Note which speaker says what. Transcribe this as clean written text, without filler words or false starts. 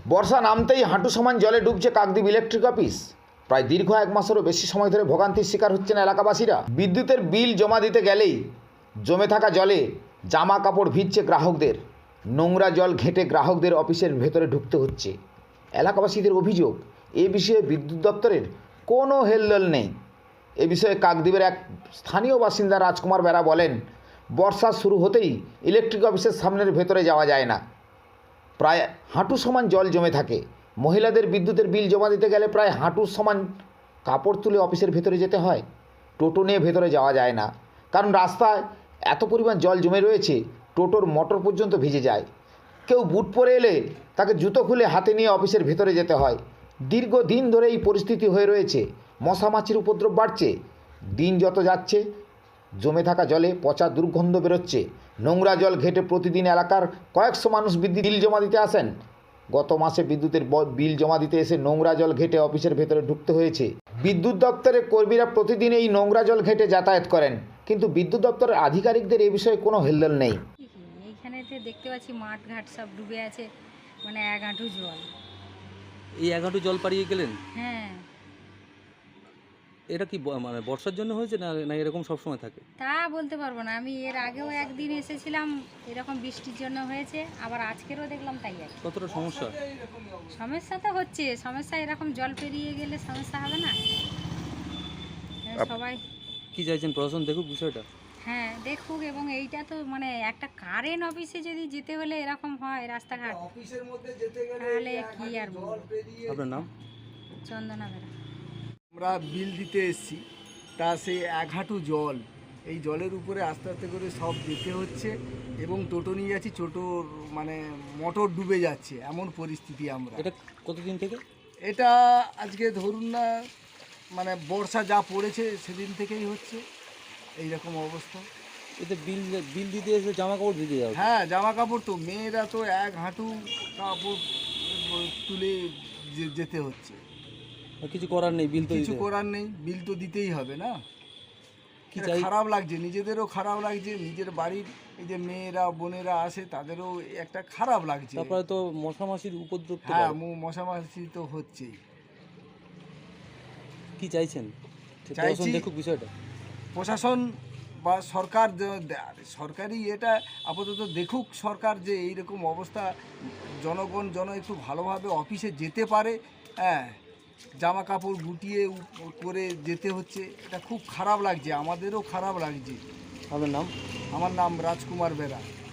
Speaker 1: বর্ষা নামতেই হাঁটু সমান জলে ডুবছে কাকদ্বীপ ইলেকট্রিক অফিস। প্রায় দীর্ঘ এক মাসেরও বেশি সময় ধরে ভোগান্তির শিকার হচ্ছেন এলাকাবাসীরা। বিদ্যুতের বিল জমা দিতে গেলেই জমে থাকা জলে জামা কাপড় ভিজছে গ্রাহকদের। নোংরা জল ঘেঁটে গ্রাহকদের অফিসের ভেতরে ঢুকতে হচ্ছে। এলাকাবাসীদের অভিযোগ, এ বিষয়ে বিদ্যুৎ দপ্তরের কোনো হেলদোল নেই। এ বিষয়ে কাকদ্বীপের এক স্থানীয় বাসিন্দা রাজকুমার বেরা বলেন, বর্ষা শুরু হতেই ইলেকট্রিক অফিসের সামনের ভেতরে যাওয়া যায় না। প্রায় হাঁটু সমান জল জমে থাকে। মহিলাদের বিদ্যুতের বিল জমা দিতে গেলে প্রায় হাঁটু সমান কাপড় তুলে অফিসের ভেতরে যেতে হয়। টোটো নিয়ে ভেতরে যাওয়া যায় না, কারণ রাস্তায় এত পরিমাণ জল জমে রয়েছে, টোটোর মোটর পর্যন্ত ভিজে যায়। কেউ বুট পরে এলে তাকে জুতো খুলে হাতে নিয়ে অফিসের ভেতরে যেতে হয়। দীর্ঘদিন ধরে এই পরিস্থিতি হয়ে রয়েছে। মশা মাছির উপদ্রব বাড়ছে। দিন যত যাচ্ছে জমে থাকা জলে পচা দুর্গন্ধ বেরোচ্ছে। নোংরা জল ঘেঁটে প্রতিদিন এলাকার কয়েকশো মানুষ বিদ্যুৎ বিল জমা দিতে আসেন। গত মাসে বিদ্যুতের বিল জমা দিতে এসে নোংরা জল ঘেঁটে অফিসের ভেতরে ঢুকতে হয়েছে। বিদ্যুৎ দপ্তরের কর্মীরা প্রতিদিন এই নোংরা জল ঘেঁটে যাতায়াত করেন, কিন্তু বিদ্যুৎ দপ্তরের আধিকারিকদের এই বিষয়ে কোনো হেলদোল নেই।
Speaker 2: এইখানেতে দেখতে পাচ্ছি মাঠ ঘাট সব ডুবে আছে, মানে এক হাঁটু জল।
Speaker 3: এই এক হাঁটু জল পাড়িয়ে গেলেন?
Speaker 2: হ্যাঁ,
Speaker 3: এটা কি মানে বর্ষার জন্য হয়েছে না না এরকম সবসময় থাকে?
Speaker 2: তা বলতে পারবো না। আমি এর আগেও একদিন এসেছিলাম, এরকম বৃষ্টির জন্য হয়েছে, আবার আজকেরও দেখলাম তাই আর কি।
Speaker 3: কতটা সমস্যা?
Speaker 2: সমস্যা তো হচ্ছে, সমস্যা এরকম জল পেরিয়ে গেলে সমস্যা হবে না? সবাই
Speaker 3: কি চাইছেন প্রশাসন দেখুক বিষয়টা?
Speaker 2: হ্যাঁ দেখুক, এবং এইটা তো মানে একটা কারেন্ট অফিসে যদি যেতে হলে এরকম হয় রাস্তাঘাট, তাহলে কি আর বলবো।
Speaker 3: আপনার নাম?
Speaker 2: চন্দনা বেরা।
Speaker 4: আমরা বিল দিতে এসেছি, তা সেই এক হাঁটু জল, এই জলের উপরে আস্তে আস্তে করে সব যেতে হচ্ছে, এবং টোটো নিয়ে যাচ্ছি, টোটোর মানে মোটর ডুবে যাচ্ছে, এমন পরিস্থিতি আমরা।
Speaker 3: এটা কতদিন থেকে?
Speaker 4: এটা আজকে ধরুন না, মানে বর্ষা যা পড়েছে সেদিন থেকেই হচ্ছে এই রকম অবস্থা।
Speaker 3: এতে বিল বিল দিতে এসে জামা কাপড় ভিজে যাবে।
Speaker 4: হ্যাঁ, জামা কাপড় তো, মেয়েরা তো এক হাঁটু কাপড় তুলে যেতে হচ্ছে।
Speaker 3: কিছু করার নেই, বিল তো
Speaker 4: কিছু
Speaker 3: দিতে
Speaker 4: করার নেই, বিল তো দিতেই হবে না।
Speaker 3: কি
Speaker 4: এটা
Speaker 3: চাই?
Speaker 4: খারাপ লাগছে, নিজেদেরও খারাপ লাগছে, নিজের বাড়ির এই যে মেয়েরা বোনেরা আসে তাদেরও একটা খারাপ লাগছে।
Speaker 3: তারপরে তো মশা মাছির উপদ্রব তো
Speaker 4: হ্যাঁ,
Speaker 3: বাড়ে।
Speaker 4: মশামাছি তো হচ্ছেই।
Speaker 3: কি চাইছেন?
Speaker 4: চাইছি
Speaker 3: প্রশাসন দেখুক বিষয়টা।
Speaker 4: প্রশাসন বা সরকার, সরকারি এটা আপাতত দেখুক সরকার, যে এইরকম অবস্থা জনগণ একটু ভালোভাবে অফিসে যেতে পারে। হ্যাঁ, জামা কাপড় গুটিয়ে করে যেতে হচ্ছে, এটা খুব খারাপ লাগছে, আমাদেরও খারাপ লাগছে।
Speaker 3: আপনার নাম?
Speaker 4: আমার নাম রাজকুমার বেরা।